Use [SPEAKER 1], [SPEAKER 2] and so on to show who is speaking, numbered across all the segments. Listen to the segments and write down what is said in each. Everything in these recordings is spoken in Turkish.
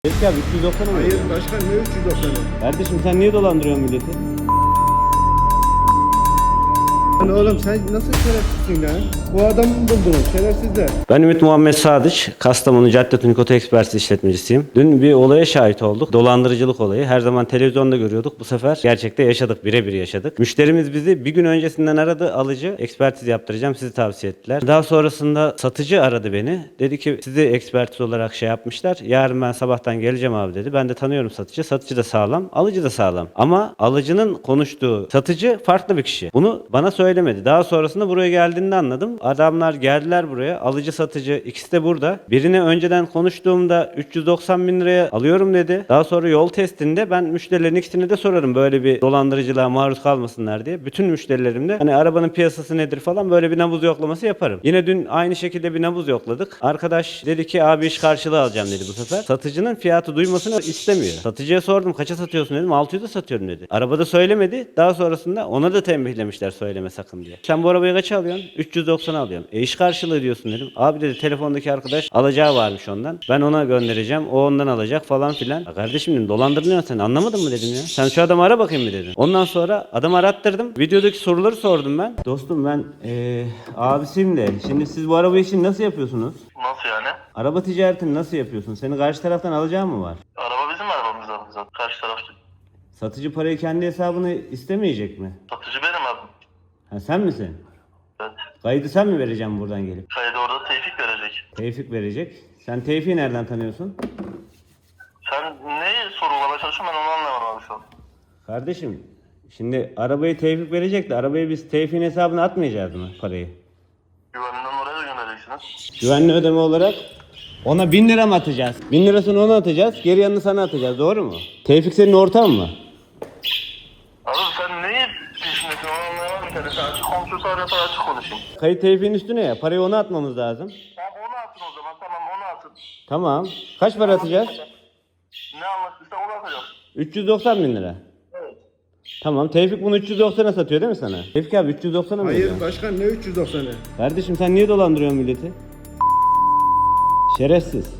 [SPEAKER 1] Peki abi 390'a mı?
[SPEAKER 2] Hayır başkan, ne 390'ı?
[SPEAKER 1] Kardeşim sen niye dolandırıyorsun milleti?
[SPEAKER 2] Lan oğlum sen nasıl şerefsizsin lan? Bu adamı mı buldunuz şerefsizler?
[SPEAKER 1] Ben Ümit Muhammed Sadıç, Kastamonu Cadde Tunik Oto Ekspertiz işletmecisiyim. Dün bir olaya şahit olduk. Dolandırıcılık olayı. Her zaman televizyonda görüyorduk. Bu sefer gerçekte yaşadık, birebir yaşadık. Müşterimiz bizi bir gün öncesinden aradı. Alıcı, ekspertiz yaptıracağım, sizi tavsiye ettiler. Daha sonrasında satıcı aradı beni. Dedi ki sizi ekspertiz olarak şey yapmışlar. Yarın ben sabahtan geleceğim abi dedi. Ben de tanıyorum satıcı. Satıcı da sağlam, alıcı da sağlam. Ama alıcının konuştuğu satıcı farklı bir kişi. Bunu bana söylemedi. Daha sonrasında buraya geldiğinde anladım. Adamlar geldiler buraya. Alıcı satıcı ikisi de burada. Birini önceden konuştuğumda 390 bin liraya alıyorum dedi. Daha sonra yol testinde ben müşterilerin ikisini de sorarım böyle bir dolandırıcılığa maruz kalmasınlar diye. Bütün müşterilerimde hani arabanın piyasası nedir falan böyle bir nabız yoklaması yaparım. Yine dün aynı şekilde bir nabız yokladık. Arkadaş dedi ki abi iş karşılığı alacağım dedi bu sefer. Satıcının fiyatı duymasını istemiyor. Satıcıya sordum kaça satıyorsun dedim. 600'e satıyorum dedi. Arabada söylemedi. Daha sonrasında ona da tembihlemişler söyleme sakın diye. Sen bu arabayı kaça alıyorsun? 390 alıyorum. İş karşılığı diyorsun dedim. Abi dedi telefondaki arkadaş alacağı varmış ondan. Ben ona göndereceğim. O ondan alacak falan filan. Ya kardeşim dedim dolandırmıyorsun sen anlamadın mı dedim ya. Sen şu adamı ara bakayım mı dedim. Ondan sonra adamı arattırdım. Videodaki soruları sordum ben. Dostum ben abisiyim de. Şimdi siz bu arabayı için nasıl yapıyorsunuz?
[SPEAKER 3] Nasıl yani?
[SPEAKER 1] Araba ticaretini nasıl yapıyorsun? Senin karşı taraftan alacağın mı var?
[SPEAKER 3] Araba bizim arabamız zaten. Karşı taraf
[SPEAKER 1] Satıcı parayı kendi hesabına istemeyecek mi?
[SPEAKER 3] satıcı benim abi.
[SPEAKER 1] Ha sen misin?
[SPEAKER 3] Evet.
[SPEAKER 1] Kaydı sen mi vereceksin buradan gelip?
[SPEAKER 3] Kaydı orada Tevfik verecek.
[SPEAKER 1] Tevfik verecek. Sen Tevfik'i nereden tanıyorsun?
[SPEAKER 3] Sen neyi sorulamaya çalışıyorsun ben onu anlamadım abi şu an.
[SPEAKER 1] Kardeşim şimdi arabayı Tevfik verecek de arabayı biz Tevfik'in hesabına atmayacağız mı parayı?
[SPEAKER 3] Güvenliğinden oraya da göndereceksiniz.
[SPEAKER 1] Güvenli ödeme olarak ona 1000 lira mı atacağız? 1000 lirasını ona atacağız, geri yanını sana atacağız, doğru mu? Tevfik senin ortağın mı?
[SPEAKER 3] Abi sen neyi peşindesin onu anlayamadım. Sen açık konuşursa arıyorsa açık konuşayım.
[SPEAKER 1] Kayıt Tevfik'in üstüne ya, parayı ona atmamız lazım.
[SPEAKER 3] Tamam onu atın o zaman tamam onu atın.
[SPEAKER 1] Tamam. Kaç para atacağız?
[SPEAKER 3] Ne anlaştıysa onu atacağım.
[SPEAKER 1] 390 bin lira.
[SPEAKER 3] Evet.
[SPEAKER 1] Tamam, Tevfik bunu 390'a satıyor değil mi sana? Tevfik abi 390'a mı veriyor?
[SPEAKER 2] Hayır başkan, ne 390'ı?
[SPEAKER 1] Kardeşim sen niye dolandırıyorsun milleti? Şerefsiz.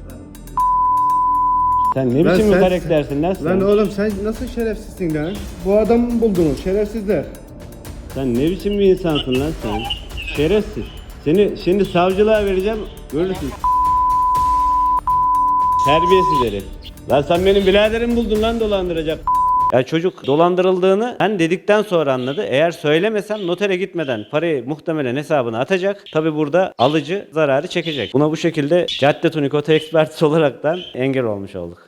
[SPEAKER 1] Sen ne
[SPEAKER 2] Lan
[SPEAKER 1] biçim bir
[SPEAKER 2] sen-
[SPEAKER 1] karaktersin lan sen?
[SPEAKER 2] Lan oğlum sen nasıl şerefsizsin lan? Bu adamı mı buldunuz şerefsizler?
[SPEAKER 1] Sen ne biçim bir insansın lan sen? Şerefsiz. Seni şimdi savcılığa vereceğim, görürsün. Terbiyesiz herif. Lan sen benim biraderimi buldun lan dolandıracak. Ya çocuk dolandırıldığını ben dedikten sonra anladı. Eğer söylemesem notere gitmeden parayı muhtemelen hesabına atacak. Tabi burada alıcı zararı çekecek. Buna bu şekilde Cadde Tunik Oto Ekspertiz olaraktan engel olmuş olduk.